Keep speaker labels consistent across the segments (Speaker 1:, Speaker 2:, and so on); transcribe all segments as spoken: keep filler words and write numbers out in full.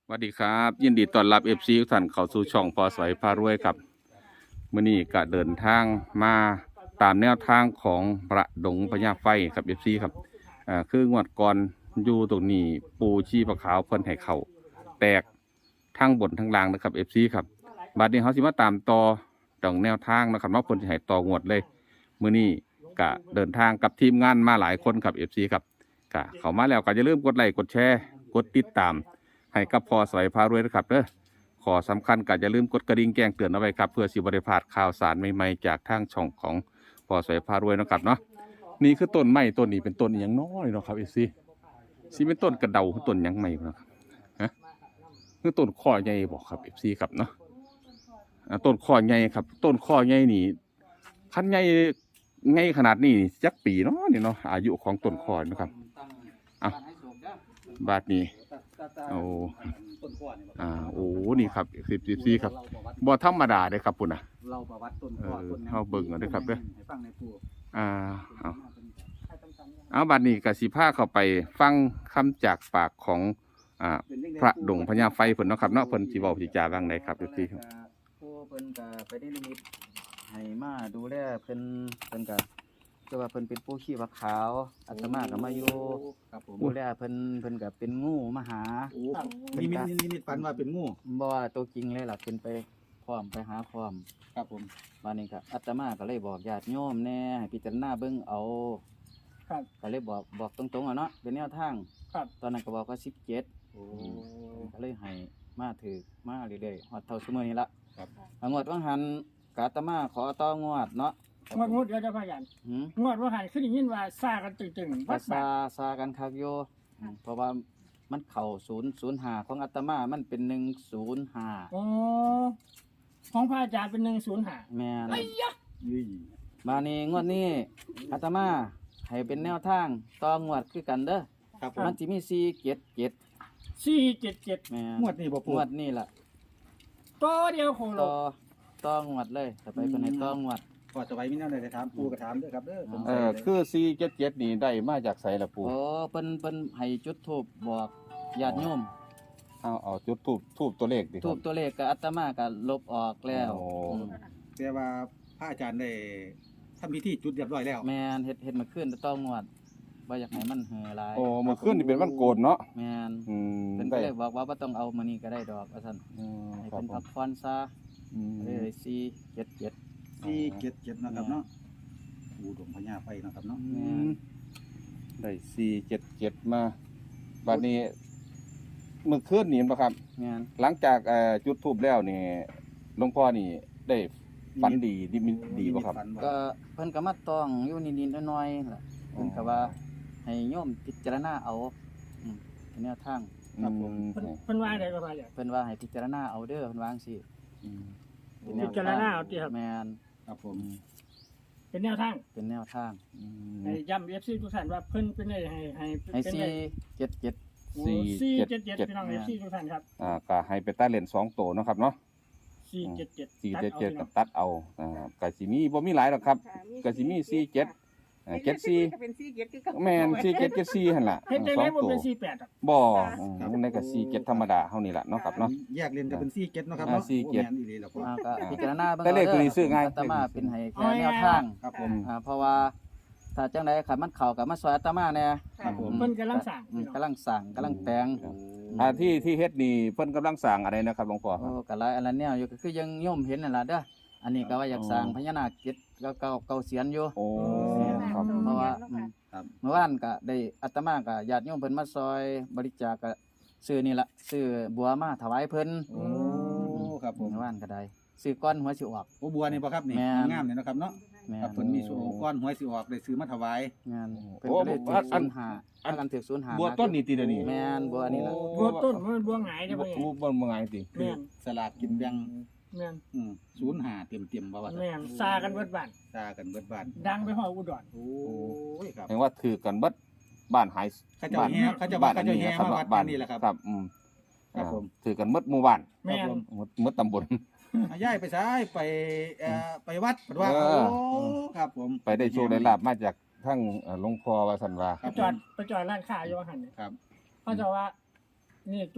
Speaker 1: สวัสดีครับยินดีต้อนรับ เอฟ ซี ทุกท่านเข้าสู่ช่องพอสวยพารวยครับมื้อนี้ก็เดินทางมาตามแนวทางของพระดงพญาไฟครับ เอฟ ซี ครับอ่าคืองวดก่อนอยู่ตรงนี้ปูชีพะขาวเพิ่นให้เข้าแตกทั้งบนทั้งล่างนะครับ เอฟ ซี ครับบัดนี้เฮาสิมาตามต่อดองแนวทางนะครับเนาะเพิ่นสิให้ต่องวดเลยมื้อนี้ก็เดินทางกับทีมงานมาหลายคนครับ เอฟ ซี ครับก็เข้ามาแล้วก็อย่าลืมกดไลค์กดแชร์กดติดตามให้กับพอสวยพารวยนะครับเด้อขอสำคัญก็อย่าลืมกดกระดิ่งแจ้งเตือนเอาไว้ครับเพื่อสิบ่ได้พลาดข่าวสารใหม่ๆจากทางช่องของพอสวยพารวยนะครับเนาะนี่คือต้นไม้ต้นนี้เป็นต้นอหยังน้อยเนาะครับเอฟซีสิเป็นต้นกระเดาคือต้นหยังใหม่นะครับฮะคือต้นข้อใหญ่บอกครับเอฟซีครับเนาะอ่าต้นข้อใหญ่ครับต้นข้อใหญ่นี่คันใหญ่ใหญ่ขนาดนี้จักปีเนาะนี่เนาะอายุของต้นข้อนะครับอ่ะบาดนี้โอ้อ่าโอ้นี่ครับสิบสิบสี่ครับบ่ธรรมดาเด้ครับปุ่นน่ะ
Speaker 2: เราประวัติต้น
Speaker 1: เอ
Speaker 2: ข้อ
Speaker 1: อ
Speaker 2: ต้น
Speaker 1: เฮาเบิ่งเอาเด้อครับเด้อ
Speaker 2: ให้ฟังในปู่
Speaker 1: อ่าเอาเอาบัดนี้ก็สิพาเข้าไปฟังคำจากปากของอ่าพระดงพญาไฟเพิ่นเนาะครับเนาะเพิ่นสิเว้าสิจาว่าจั่งใดครับพี่ครับ
Speaker 2: ผู้เพิ่นก็ไปได้นิมิตให้มาดูแลเพิ่นเพิ่นก็คือว่าเพิ่นเป็นผู้ขี้วักขาวอาตมาก็มาอยู่ครับผมดูแลเพิ่นเพิ่นก็เป็นงูมาหา
Speaker 3: นิมิตนิมิตฝันว่าเป็นงู
Speaker 2: บ่ว่าตัวจริงเลยล่ะเป็นไปพร้อมไปหาพร้อม
Speaker 3: ครับผม
Speaker 2: บัดนี้ก็อาตมาก็เลยบอกญาติโยมแน่ให้พิจารณาเบิ่งเอาครับก็เลยบอกบอกตรงๆอ่ะเนาะเป็นแนวทางครับตอนนั้นก็บอกว่าสิบเจ็ด
Speaker 3: โอ้
Speaker 2: ก็เลยให้มาถือมาเรื่อยๆฮอดเท่าซุมื้อนี้ละ
Speaker 3: ครับ
Speaker 2: งวดว่างหันกาตมาขอต่องวดเนาะ
Speaker 4: งวดงวดเดี๋ยวจะพายัน
Speaker 2: หืม
Speaker 4: งวดว่าหันขึ้นยินว่าซากันตึงๆ
Speaker 2: ภา
Speaker 4: วัด
Speaker 2: ษา
Speaker 4: บาท
Speaker 2: ซากันคักอยู่อืมเพราะว่ามันเข้าศูนย์ศูนย์ห้าของอาตมามันเป็นหนึ่งศูนย์ห้า
Speaker 4: โอ้ของพระอาจารย์เป็นหนึ่งศูนย์ห้า
Speaker 2: แม่น
Speaker 4: ไอ้ยะ
Speaker 3: ยี่
Speaker 2: มานี่งวดนี้อาตมาให้เป็นแนวทางต่องวดคือกันเด้อ
Speaker 3: ครับผม
Speaker 2: มันสิมีสี่เจ็ดเจ็ด
Speaker 4: สี่เจ็ดเจ็ด
Speaker 2: แม่น
Speaker 3: งวดนี้บ่
Speaker 2: ง
Speaker 3: ปู่
Speaker 2: วดนี้ล่ะ
Speaker 4: ตัวเดียวโคโล
Speaker 2: ต่อต่องวดเลยต่อไปเป็นให้ต่องวด
Speaker 3: พอจะไว้มีแนวใดจะถามปู่ก็ถามเด้อครับเด้อสง
Speaker 1: เอ
Speaker 3: สัย
Speaker 1: อ
Speaker 3: เลย
Speaker 1: คือสี่เจ็ดเจ็ดนี่ได้มาจากไสล่ะปู่
Speaker 2: โอ้เพิ่นเพิ่นให้จุดธูปบอกญาติโยม
Speaker 1: เอาเอาจุดทูบทูบตัวเลขดิค
Speaker 2: ทู
Speaker 1: รั
Speaker 2: บบ ตัวเลขกับอาตมาก็ลบออกแล้ว
Speaker 1: โอ้
Speaker 2: อืม
Speaker 3: แต่ว่าพระอาจารย์ได้ทำพิธีจุดเรียบร้อยแล้ว
Speaker 2: แม่นเฮ็ดเฮ็ดมาขึ้นแต่ต้องงวดบ่อยากให้มันเหือหลาย
Speaker 1: โอ้เมื่อคืนนี่เป็นวันโกนเนาะ
Speaker 2: แม่น
Speaker 1: อืม
Speaker 2: เพิ่นก็
Speaker 1: ได้
Speaker 2: เลยบอกว่าบ่ต้องเอามื้อนี้ก็ได้ดอกว่าซั่น
Speaker 1: อืม
Speaker 2: ให้
Speaker 1: ครับ
Speaker 2: เพิ่น
Speaker 1: ผ
Speaker 2: พั
Speaker 1: ม
Speaker 2: กผ่อนซะ
Speaker 1: อืม
Speaker 2: เลยสี่เจ็ดเจ็ด
Speaker 3: สี่เจ็ดเจ็ดนะครับเนาะปู่ดงพญาไฟนะครับเนาะ
Speaker 2: แม่น
Speaker 1: ได้สี่เจ็ดเจ็ดมาบัดนี้เมื่อคืนนี่เห็นปะครับ
Speaker 2: แม่น
Speaker 1: หลังจากเอ่อจุดทูบแล้วนี่หลวงพ่อนี่ได้ฝันดีดีมิดีป่ะครับ
Speaker 3: ฝันว่า
Speaker 2: ก็เพิ่นก็มาต้องอยู่นิดๆหน่อยๆล่ะเพิ่นก็ว่าให้โยมพิจารณาเอาอืมเป็นแนวทาง
Speaker 1: ครับผม
Speaker 4: เพิ่นเพิ่นว่าอะไรก็พายัน
Speaker 2: เพิ่นว่าให้พิจารณาเอาเด้อเพิ่นว่าจังซี่
Speaker 1: อืม
Speaker 2: เป็นแนว
Speaker 4: พิจารณาเอาติครับ
Speaker 2: แม่น
Speaker 3: ครับผม
Speaker 4: เป็นแนวทาง
Speaker 2: เป็นแนวทาง
Speaker 1: อืม
Speaker 4: ให้ย้ำเอฟซีทุกท่านว่าเพิ่นเป็นได้ให้ให้
Speaker 2: ให้
Speaker 4: เป็น
Speaker 2: สี่
Speaker 4: ได้
Speaker 2: เจ็ดเจ็ด
Speaker 4: โอ้
Speaker 1: สี่
Speaker 4: สี่
Speaker 1: เจ็
Speaker 4: เจ็
Speaker 1: ด
Speaker 4: ด
Speaker 1: เจ็
Speaker 4: เจ็
Speaker 1: ด
Speaker 4: ดพี่น้องเอฟซีทุกท่านครับ
Speaker 1: อ่าก็ให้ไปต้าเลนสองตัวเนาะครับเนาะ
Speaker 4: สี่เจ็ดเจ็ด
Speaker 1: สี่
Speaker 4: ตั
Speaker 1: เจ็ด
Speaker 4: อา
Speaker 1: เจ็ด
Speaker 4: พี่น้
Speaker 1: กั
Speaker 4: อบ ง
Speaker 1: ตัดเอาอ่ากะสิมีบ่มีหลายหรอกครับกะสิมีสี่เจ็ดอ่าเจ็ดสี่
Speaker 5: เป็นสี่เจ็ดคือเก่า
Speaker 1: แม่นสี่เจ็ดเจ็ดสี่หั่นล่ะ
Speaker 4: เฮ็ดได้
Speaker 1: ส
Speaker 4: ไหม
Speaker 1: อง
Speaker 4: บ่
Speaker 1: ตัว
Speaker 4: เป็นสี่แปดอ่ะ
Speaker 1: บ่อืมในก็สี่เจ็ดธรรมดาเฮานี่ล่ะเนาะครับเนาะ
Speaker 3: แยกเรียนกันเป็นสี่เจ็ดเนาะครับ
Speaker 1: อ่า
Speaker 3: เนาะ
Speaker 1: สี่เจ็ด
Speaker 3: โอ้แม่นอีหลีแล้วพ่อ
Speaker 2: อ่าก็พิจารณาเบิ่ง
Speaker 1: แต่เลขตัวนี้ซื้อง่าย
Speaker 2: อาตมาเป็นให้แค่แนวทาง
Speaker 3: ครับผม
Speaker 2: อ่าเพราะว่าถ้าจังไดคันมันเข้ากับมาซอยอาตมาแน่
Speaker 3: ครับผม
Speaker 4: เพิ่นกำลังสร้าง
Speaker 2: อืมกำลังสั่งกำลังแต่ง
Speaker 1: อ่าที่ที่เฮ็ดนี่เพิ่นกำลังสร้างอะไรนะครับหลวงพ่อค
Speaker 2: โอ้
Speaker 1: รับ
Speaker 2: ก็หลายอันละแนวอยู่ก็คือยังโยมเห็นนั่นล่ะเด้ออันนี้ก็ว่าอยากสร้างพญานาคเจ็ดเก่าเก่าเก่าเสียนอยู่
Speaker 1: โอ้ครับ
Speaker 2: เพราะว่าอืม
Speaker 3: ครับ
Speaker 2: เมื่อวานก็ได้อาตมาก็ญาติโยมเพิ่นมาซอยบริจาคก็ซื้อนี่ล่ะซื้อบัวมาถวายเพิ่น
Speaker 3: โอ้ครับผม
Speaker 2: เมื่อวานก็ได้ซื้อก้อนหัวสิออก
Speaker 3: โอ้บัวนี่บ่ครับนี่
Speaker 2: แม่น
Speaker 3: งามๆนี่เนาะครับเนาะ
Speaker 2: แม่
Speaker 3: ครับ
Speaker 2: น
Speaker 3: เพิ่นมีโชว์ก้อนหวยสิออกได้ซื้อมาถวาย
Speaker 2: งาน
Speaker 1: โอ้
Speaker 2: เพิ่นก็เลย
Speaker 1: โอ้
Speaker 2: ถือ
Speaker 1: อั
Speaker 2: ศู
Speaker 1: น
Speaker 2: นย์ห้า
Speaker 1: อัน
Speaker 2: ถ้ากันถือศูนย์ห้า
Speaker 1: บัวต้นนี่ติเดี๋ยวนี้
Speaker 2: แม่นบัวอันนี้ล่ะ
Speaker 4: บัวต้นมันบัวหงายเด้อ
Speaker 1: บั
Speaker 4: พ่
Speaker 1: ว
Speaker 4: อใหญ่
Speaker 1: บัวบัวไงติ
Speaker 4: แม่น
Speaker 3: สลากกินแบ่ง
Speaker 4: แม่น
Speaker 3: อืมศูนย์ห้าเต็มๆบ่ว่า
Speaker 4: แม่นซากันเบิดบ้าน
Speaker 3: ตากันเบิดบ้าน
Speaker 4: ดังไปฮอดอุดร
Speaker 3: โอ้ยครับ
Speaker 1: เห็นว่าถือกันเบิดบ้านหาย
Speaker 3: เขาเจ้า
Speaker 1: บ้าน
Speaker 3: แห่เขาเจ้า
Speaker 1: บ้าน
Speaker 3: เขา
Speaker 1: อัน
Speaker 3: เจ้า
Speaker 1: นี้
Speaker 3: แห่
Speaker 1: นะครับ
Speaker 3: มาวัด
Speaker 1: บ้าน
Speaker 3: นี่แหละครับ
Speaker 1: ครับอืม
Speaker 3: ครับผม
Speaker 1: อ่าถือกันเบิดหมู่บ้าน
Speaker 4: แม่น
Speaker 3: ครับผม
Speaker 1: หมดหมดตำบล
Speaker 3: อ่ะย้ายไปซ้ายไปเอ่อไปวัดเพิ่นว่า
Speaker 1: เอ
Speaker 3: โอ้
Speaker 1: อ
Speaker 3: ครับผม
Speaker 1: ไปได้โชว์ได้ลาบมาจากทั้งเอ่อหลวงพ่อว่าสันว่า
Speaker 3: ค
Speaker 4: ไป
Speaker 3: รับ
Speaker 4: จอดไปจอดร้านค้าอยู่ว่าหั่นเนี่ย
Speaker 3: ครับ
Speaker 4: เขาจะว่า นี่ตู้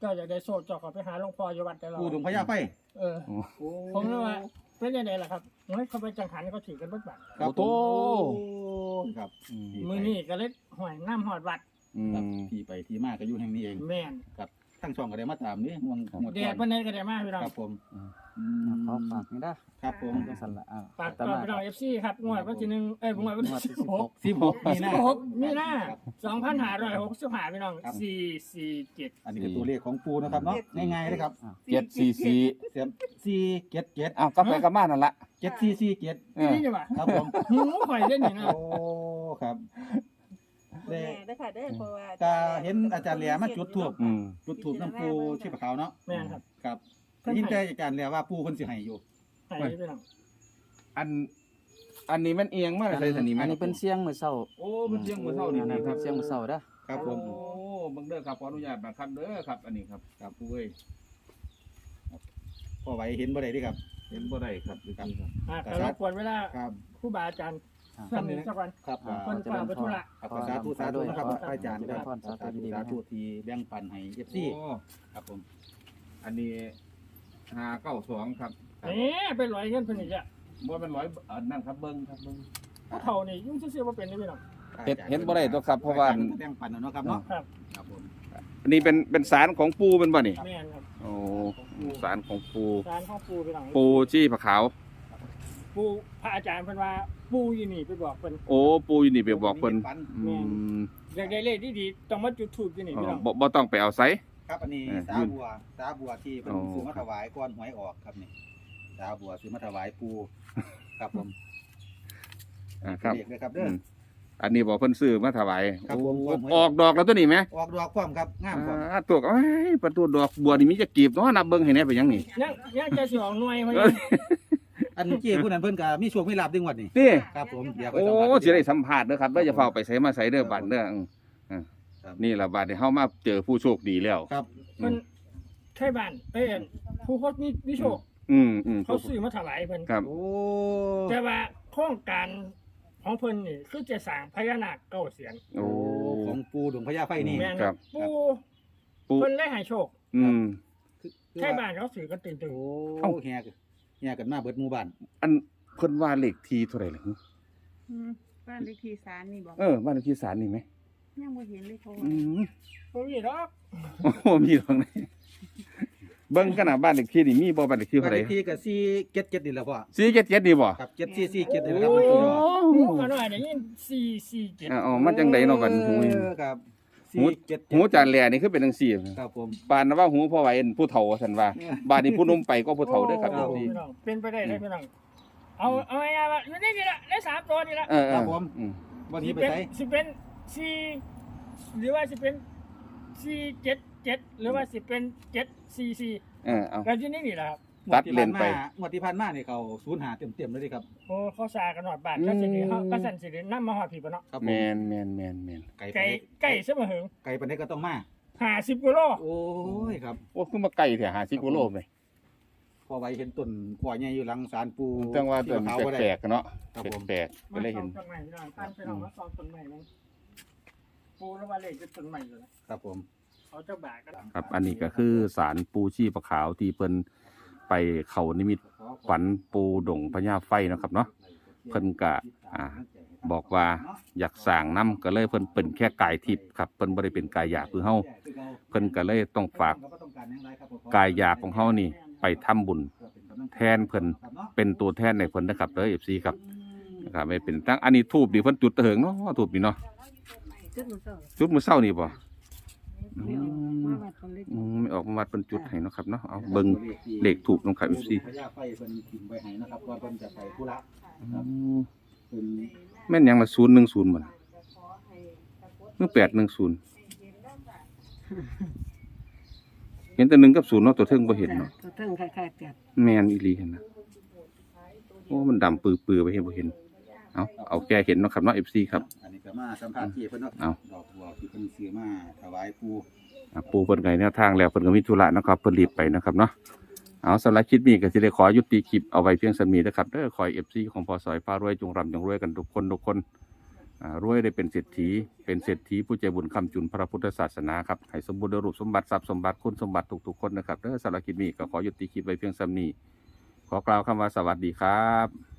Speaker 4: เจ้าอยากได้โซ่เจ้าขอไปหาหลวงพ่ออยู่วัดแต่เรา
Speaker 3: ปูดงพญาไฟ
Speaker 4: เออ ผมเลยว่าเป็นยังไงล่ะครับเฮ้ยเขาไปจังหันเขาถือกันเบิดบัด
Speaker 3: ครับ
Speaker 1: โอ้
Speaker 3: โอ้ครับ
Speaker 4: มือนี่ก็เลยห่วยน้ำหอดวัด
Speaker 1: อืม
Speaker 3: ครับที่ไปที่มาก็อยู่แห่งนี้เอง
Speaker 4: แม่น
Speaker 3: ครับทั้งช่องก็ได้มาตามนี่งวงงวด
Speaker 4: แด
Speaker 3: ก่อ
Speaker 4: ด
Speaker 3: น
Speaker 4: วันนี้ก็ได้มากพี่น้อง
Speaker 3: ครับผมอืม
Speaker 2: เขาฝากนี่ได้
Speaker 3: ครับผม
Speaker 2: ก็สั่นละอ่า
Speaker 4: ฝาก
Speaker 2: แต่
Speaker 4: ต่อ
Speaker 2: มา
Speaker 4: พี่น้องเอฟซีครับงวดวันที่หนึ่งเอ้ยงวดวันที่สิบหก
Speaker 3: สิบหกมี
Speaker 4: สิ
Speaker 3: นา
Speaker 4: บหกมีนาสองพันห้าร้อยหกสิบห้าพี่น้องสี่สี่เจ็ด
Speaker 3: อันนี้คือตัวเลขของปูนะครับเนาะง่ายๆเลยครับ
Speaker 1: เจ็ดสี่สี่
Speaker 3: เสียมสี่เจ็ดเจ็ด
Speaker 1: อ้าวกลับไปกลับมานั่นละ
Speaker 3: เจ็ดสี่สี่เจ็ด
Speaker 1: เออ
Speaker 4: นี่ดีกว่า
Speaker 3: ครับผม
Speaker 4: หูข่อยเล่นอย่างนั้น
Speaker 3: โอ้ครับ
Speaker 5: แม่ได้ค่ะได้อเพราะว่า
Speaker 3: ก็เห็นอาจารย์แหลมมาจุดทูบ
Speaker 1: อืม
Speaker 3: จุดทูบน้ำปูชีพขาวเนาะ
Speaker 4: แม่นครับ
Speaker 3: ครับได้ยินแต่อาจารย์แหลว่าปูคนสิให้อยู่
Speaker 4: ไห้พี่น้อง
Speaker 1: อัน อันนี้มันเอียงมากเลยสันนี่
Speaker 2: อั
Speaker 1: มัน
Speaker 2: นนี้เป็นเสียงมื้อเช้า
Speaker 1: โอ้มันเสียงมือเท่านี่
Speaker 2: อัน
Speaker 1: นี่
Speaker 2: นี้
Speaker 1: ค
Speaker 2: เป็
Speaker 1: รับ
Speaker 2: นเสียงมื้อเช้าเด้อ
Speaker 3: ครับผม
Speaker 1: โอ้เบิ่งเด้อครับขออนุญาตนะครับเด้อครับ อันนี้ครับครับผู้เอ้ย
Speaker 3: พอไหวเห็นบ่ได้เดิครับ
Speaker 1: เห็นบ่ได้ครับดูสิครับ
Speaker 4: อ่ะก็รบกวนเวลา
Speaker 3: ครับ
Speaker 4: ครูบาอาจารย์
Speaker 2: อ่า
Speaker 4: ท่านนี้สักวัน
Speaker 3: ครับ
Speaker 2: อ่า
Speaker 4: คนฝากไปธุระ
Speaker 3: ครับสาธุสาธุนะครับ
Speaker 2: ขอ
Speaker 3: พระอาจารย์ครับ
Speaker 2: ขอ
Speaker 3: สาธุสาธุที่แบ่งปันให้เอฟซี
Speaker 1: โอ้
Speaker 3: ครับผม
Speaker 1: อันนี้ห้าเก้าสองครับ
Speaker 4: เอ๊ะไปลอยเงินเพิ่นอีกแล้ว
Speaker 1: บ่เป็นร้อยอันนั่นครับเบิ่งครับเบิ่ง
Speaker 4: ผู้เฒ่านี่ยุ่งซื่อๆว่าเป็นนี่พี่น้อง
Speaker 1: เห็นเห็นบ่ได้ตัวครับเพราะว่า
Speaker 3: แบ่งปันเอาเนาะครับเนาะ
Speaker 4: ครับ
Speaker 3: ครับผม
Speaker 1: อันนี้เป็นเป็นสารของปูเป็นบ่นี่
Speaker 4: แม่นครับ
Speaker 1: โอ้สารของปู
Speaker 4: ร้านข้าวปูพี่น้อง
Speaker 1: ปูจี้ผาขาว
Speaker 4: ปูพระอาจารย์เพิ่นว่าปูอยู่นี่ไปบอกเพิ่น
Speaker 1: โอ้ปูอยู่นี่ไปบอกเพิ่นอืม
Speaker 4: อยากได้เลขดีๆต้องมาจุดธูปอยู่นี่
Speaker 1: อ๋อ
Speaker 4: พี่น้อง
Speaker 1: บ่บ่ต้องไปเอาไส
Speaker 3: ครับอันนี้
Speaker 1: เออ
Speaker 3: สาบัวสาบัวที่เป็น
Speaker 1: อ๋อ
Speaker 3: ซื้อมาถวายก่อนหวยออกครับนี่สาบัวซื้อมาถวายปูครับผม
Speaker 1: อ่าครับ
Speaker 3: เรียกเลยครับ
Speaker 1: อื
Speaker 3: เด้อ
Speaker 1: มอันนี้บอกเพิ่นซื้อมาถวาย
Speaker 3: ครับผม
Speaker 1: โอ้ออกดอกแล้วตัวนี้ไหม
Speaker 3: ออกดอกพร้อมครับงามพร้อม
Speaker 1: อ่าตัวก็เอ้ยประตูดอกบัวนี่มีจะกีบเนาะนับเบิ่งให้แหน่เป็นหยังนี่
Speaker 4: ยังยังจะสิออกหน่วยเพิ่น
Speaker 1: เอ้ย
Speaker 3: อันเจ้ผู้นั้นเพิ่นก็มีโชคมีลาภดึงวัดนี่
Speaker 1: นี่
Speaker 3: ครับผมเดี๋ยวไป
Speaker 1: โอ้
Speaker 3: สัมภาษณ์
Speaker 1: สิได้สัมภาษณ์เด้อครับเด้อจะเฝ้าไปไสมาไสเด้อบัดเด้ออืมอ่า
Speaker 3: ครับ
Speaker 1: นี่ล่ะบัดนี้เฮามาเจอผู้โชคดีแล้ว
Speaker 3: ครับ
Speaker 4: เพิ่นไทบ้านเอ้ยผู้โคตรมีมีโชค
Speaker 1: อืมอืม
Speaker 4: เขาซื้อมาถวายเพิ่น
Speaker 1: ครับ
Speaker 3: โอ้
Speaker 4: แต่ว่าโครงการของเพิ่นนี่คือจะสร้างพญานาคเก้าเสียน
Speaker 1: โอ้
Speaker 3: ของปูดงพญาไฟนี่
Speaker 4: แม่น
Speaker 1: ครับ
Speaker 4: ปู
Speaker 1: ปู
Speaker 4: เพิ่นได้ให้โชค
Speaker 1: อืม
Speaker 4: ไทบ้านเขาซื้อกันตื่น
Speaker 3: โอ้
Speaker 1: เอ้า
Speaker 3: แฮกแฮกันมาเบิดหมู่บ้าน
Speaker 1: อันเพิ่นว่าเลขที่เท่าไหร่ล่ะ
Speaker 5: อืมบ้านเลขที่ศาลนี่บอก
Speaker 1: เออบ้านเลขที่ศาลนี่ไหม
Speaker 5: ยังบ่เห็นเลยโทร
Speaker 1: อืม
Speaker 4: ๆบ่มีดอก
Speaker 1: โอ้โหมีตรงไหนเบิ่งกันน่ะบ้านเลขที่นี่มีบ่บ้านเลขที่
Speaker 3: บ้า
Speaker 1: เท่าน ไห
Speaker 3: เล
Speaker 1: ร่
Speaker 3: ขที่ก็สี่เจ็ดเจ็ดนี่แหละพ่อ
Speaker 1: สี่เจ็ดเจ็ดนี่บ่
Speaker 3: ครับเจ็ดสี่สี่เจ็ดนี่แหละ
Speaker 1: โอ้
Speaker 3: ครับมันคือ
Speaker 4: หูก็น้อยได้ยินสี่สี่เจ็ด
Speaker 1: อ่าอ๋อมันจังไดเนาะบัดหู
Speaker 3: เออครับ
Speaker 1: หู
Speaker 3: สี่เจ็ดเจ็ด
Speaker 1: หูจานแหล่นี่คือเป็นจังซี่
Speaker 3: ครับผม
Speaker 1: ปานว่าหูพ่อไหวเป็นผู้เฒ่าซั่นว่าบ้านนี้ผู้หนุ่มไปก็ผู้เฒ่าเด้อครับ
Speaker 4: โอ้
Speaker 1: พี่
Speaker 4: พี่น้องเป็นไปได้เลยพี่น้องเอาเอาง่ายๆว่าอยู่ในนี่ละในสามตัวนี่ละ
Speaker 1: เออ
Speaker 3: ครับผม
Speaker 1: อืม
Speaker 3: วัน
Speaker 4: สิ
Speaker 3: นี้ไป
Speaker 4: เป็น
Speaker 3: ใช้
Speaker 4: สิเป็นสี่หรือว่าสิเป็นสี่เจ็ดเจ็ดหรือว่าสิเป็นเจ็ดสี่สี่
Speaker 1: เออเอา
Speaker 4: แล้วที่นี่นี่แหละครับ
Speaker 1: ตัดเลนไป
Speaker 3: งวดที่ผ่านมาเนี่ยเขาศูนย์หาเต็มเต็มๆเลยดิครับ
Speaker 4: โอ้เขาสากันหอดบ้านก็สิเดเขาก็สั่นสิเดนำมาหอดผีปะเนาะ
Speaker 3: ครับผ
Speaker 1: แม
Speaker 3: ม
Speaker 1: นแมนแมนแมน
Speaker 3: ไก่
Speaker 4: ไก่ไก่เสมอหึง
Speaker 3: ไก่ปันนี้ก็ต้องมา
Speaker 4: ห้าสิบกิโล
Speaker 3: โอ้ยครับ
Speaker 1: โอ้คือมาไกลแท้ห้าสิบกิโลเลย
Speaker 3: พอไว้เห็นต้นขวายใหญ่อยู่หลังศาลปู
Speaker 1: จังว่าต้น
Speaker 3: ที่มะพร้าวบ่ได้
Speaker 1: แปลกๆเนาะ
Speaker 3: ครับผม
Speaker 1: แปลกๆก็
Speaker 4: มา
Speaker 1: เลย
Speaker 4: สอ
Speaker 1: เห็
Speaker 4: ง
Speaker 1: น
Speaker 4: ต้นใหม่พี่น้องตั้งไปน้องมาสองต้นใหม่นึงปูแล้วว่าเลขจะต้นใหม่เลย
Speaker 3: ครับผม
Speaker 4: เขาเจ้าบากัน
Speaker 1: ครับ อันนี้ก็คือสารปูชีพขาวที่เพิ่นไปเขานิมิตฝันปูดงพญาไฟเนาะครับเนาะเพิ่นก็อ่า บอกว่าอยากสร้างน้ำก็เลยเพิ่นเป็นแค่กายทิพย์ครับเพิ่นบ่ได้เป็นกายหยาบคือเฮาเพิ่นก็เลยต้องฝากกายหยาบของเฮานี่ไปทำบุญแทนเพิ่นเป็นตัวแทนในเพิ่นนะครับเด้อ เอฟ ซี ครับนะครับไม่เป็นตั้งอันนี้ทูบดิเพิ่นจุดเถิงเนาะทูบนี่เนาะ
Speaker 5: จุดมือเสา
Speaker 1: จุดมื้อเช้านี่บ่
Speaker 5: ไม่ออกมาวัดคนเล็ก
Speaker 1: อืมไม่ออกมาวัดเพิ่นจุดให้เนาะครับเนาะเอาเบิ่งเลขทูบนำครับ เอฟ ซี
Speaker 3: พญาไฟเพิ่นกินไว้ให้นะครับว่าเพิ่นจะไปธุระ
Speaker 1: อืม
Speaker 3: เพิ่น
Speaker 1: แม่นหยังละศูนย์หนึ่งศูนย์บ่ล่ะหรือแปดหนึ่งศูนย์เห็นแต่หนึ่งกับศูนย์เนาะตัวเทิงบ่เห็นเนาะ
Speaker 5: ตัวเทิงคล้ายๆแต่
Speaker 1: แม่นอีหลีเห็นนะโอ้มันดำปื้อๆไปเห็นบ่เห็นเอาเอาแกเห็นเนาะครับเนาะ เอฟ ซี ครับ
Speaker 3: อันนี้ก็มาสัมภาษณ์ที่เพิ่นเนาะ
Speaker 1: เอา
Speaker 3: ดอกบัวที่เพิ่นซื้อมาถวายปู
Speaker 1: อ่ะปูเพิ่นไกแนวทางแล้วเพิ่นก็มีธุระนะครับเพิ่นรีบไปนะครับเนาะเอาสำหรับคลิปนี้ก็สิได้ขอยุติคลิปเอาไว้เพียงสมีนะครับเด้อขอให้ เอฟ ซี ของพอสอยฟ้ารวยจงร่ำจงรวยกันทุกคนทุกคนอ่ารวยได้เป็นเศรษฐีเป็นเศรษฐีผู้ใจบุญคำจุนพระพุทธศาสนาครับให้สมบูรณ์ด้วยรูปสมบัติทรัพย์สมบัติคุณสมบัติทุกๆคนนะครับเด้อสารบคลิปนี้ก็ขอยุติคลิปไว้เพียงซ้ำนี้ขอกล่าวคำว่าสวัสดีครับ